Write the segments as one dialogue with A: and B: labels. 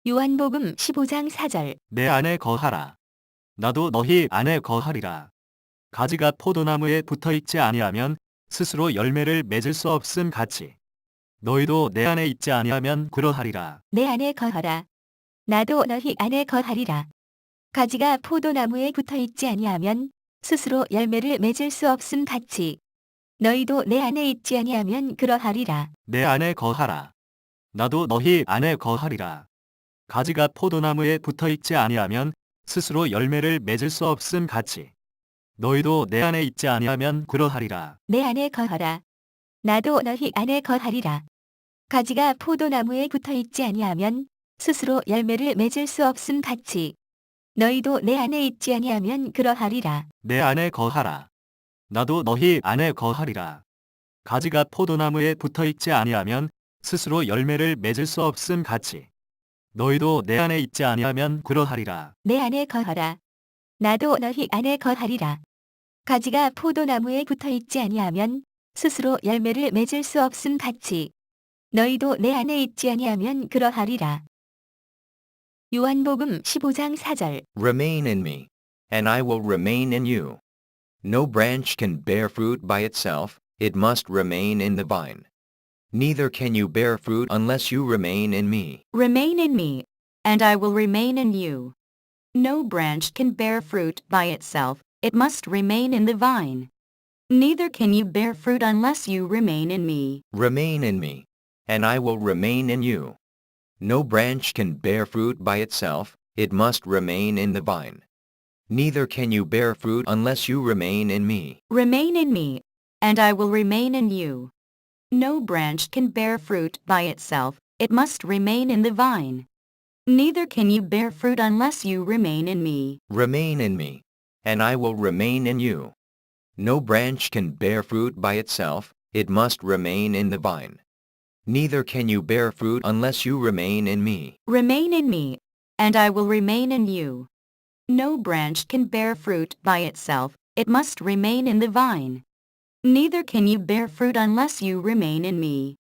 A: 요한복음 15장 4절.
B: 내 안에 거하라. 나도 너희 안에 거하리라. 가지가 포도나무에 붙어있지 아니하면 스스로 열매를 맺을 수 없음 같이 너희도 내 안에 있지 아니하면 그러하리라.
A: 내 안에 거하라. 나도 너희 안에 거하리라. 가지가 포도나무에 붙어있지 아니하면 스스로 열매를 맺을 수 없음 같이 너희도 내 안에 있지 아니하면 그러하리라.
B: 내 안에 거하라. 나도 너희 안에 거하리라. 가지가 포도나무에 붙어있지 아니하면 스스로 열매를 맺을 수 없음 같이 너희도 내 안에 있지 아니하면 그러하리라.
A: 내 안에 거하라. 나도 너희 안에 거하리라. 가지가 포도나무에 붙어있지 아니하면 스스로 열매를 맺을 수 없음 같이 너희도 내 안에 있지 아니하면 그러하리라.
B: 내 안에 거하라. 나도 너희 안에 거하리라. 가지가 포도나무에 붙어있지 아니하면 스스로 열매를 맺을 수 없음 같이 너희도 내 안에 있지 아니하면 그러하리라.
A: 내 안에 거하라. 나도 너희 안에 거하리라. 가지가 포도나무에 붙어있지 아니하면 스스로 열매를 맺을 수 없음 같이 너희도 내 안에 있지 아니하면 그러하리라. 요한복음 15장 4절.
C: Remain in me, and I will remain in you. No branch can bear fruit by itself, it must remain in the vine. Neither can you bear fruit unless you remain in me.
D: Remain in me, and I will remain in you. No branch can bear fruit by itself, it must remain in the vine. Neither can you bear fruit unless you remain in me.
C: Remain in me, and I will remain in you. No branch can bear fruit by itself, it must remain in the vine. Neither can you bear fruit unless you remain in me.
D: Remain in me, and I will remain in you. No branch can bear fruit by itself, it must remain in the vine. Neither can you bear fruit unless you remain in me.
C: Remain in me, and I will remain in you. No branch can bear fruit by itself, it must remain in the vine. Neither can you bear fruit unless you remain in me.
D: Remain in me, and I will remain in you. No branch can bear fruit by itself, it must remain in the vine. Neither can you bear fruit unless you remain in me.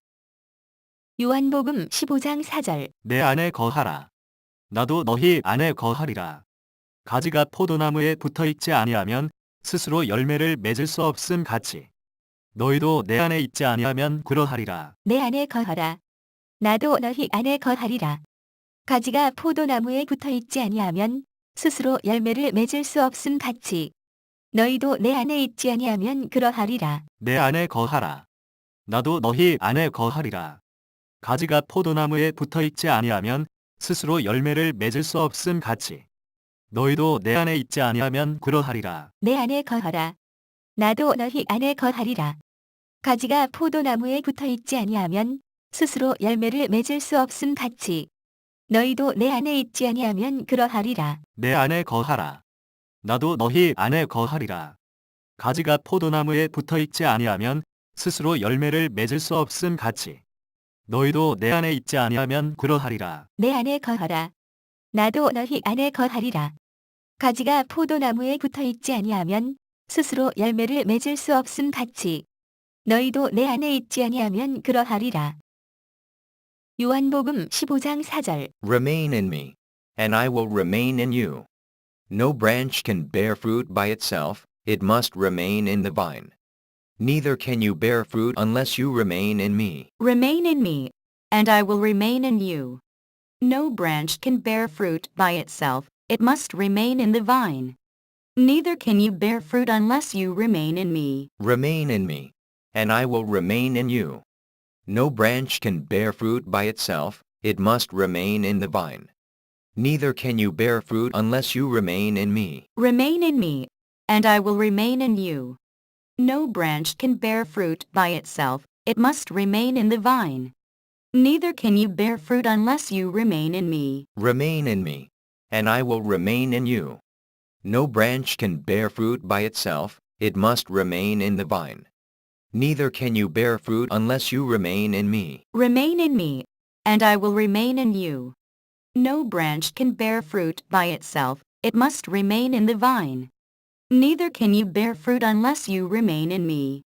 A: 요한복음 15장 4절.
B: 내 안에 거하라. 나도 너희 안에 거하리라. 가지가 포도나무에 붙어있지 아니하면 스스로 열매를 맺을 수 없음 같이 너희도 내 안에 있지 아니하면 그러하리라.
A: 내 안에 거하라. 나도 너희 안에 거하리라. 가지가 포도나무에 붙어있지 아니하면 스스로 열매를 맺을 수 없음 같이 너희도 내 안에 있지 아니하면 그러하리라.
B: 내 안에 거하라. 나도 너희 안에 거하리라. 가지가 포도나무에 붙어있지 아니하면 스스로 열매를 맺을 수 없음 같이 너희도 내 안에 있지 아니하면 그러하리라.
A: 내 안에 거하라. 나도 너희 안에 거하리라. 가지가 포도나무에 붙어있지 아니하면 스스로 열매를 맺을 수 없음 같이 너희도 내 안에 있지 아니하면 그러하리라.
B: 내 안에 거하라. 나도 너희 안에 거하리라. 가지가 포도나무에 붙어있지 아니하면 스스로 열매를 맺을 수 없음 같이 너희도 내 안에 있지 아니하면 그러하리라.
A: 내 안에 거하라. 나도 너희 안에 거하리라. 가지가 포도나무에 붙어있지 아니하면 스스로 열매를 맺을 수 없음 같이 너희도 내 안에 있지 아니하면 그러하리라. 요한복음 15장 4절.
C: Remain in me, and I will remain in you. No branch can bear fruit by itself, it must remain in the vine. Neither can you bear fruit unless you remain in me.
D: Remain in me, and I will remain in you. No branch can bear fruit by itself, it must remain in the vine. Neither can you bear fruit unless you remain in me.
C: Remain in me, and I will remain in you. No branch can bear fruit by itself, it must remain in the vine. Neither can you bear fruit unless you remain in me.
D: Remain in me, and I will remain in you. No branch can bear fruit by itself, it must remain in the vine. Neither can you bear fruit unless you remain in me.
C: Remain in me, and I will remain in you. No branch can bear fruit by itself, it must remain in the vine. Neither can you bear fruit unless you remain in me.
D: Remain in me, and I will remain in you. No branch can bear fruit by itself, it must remain in the vine. Neither can you bear fruit unless you remain in me.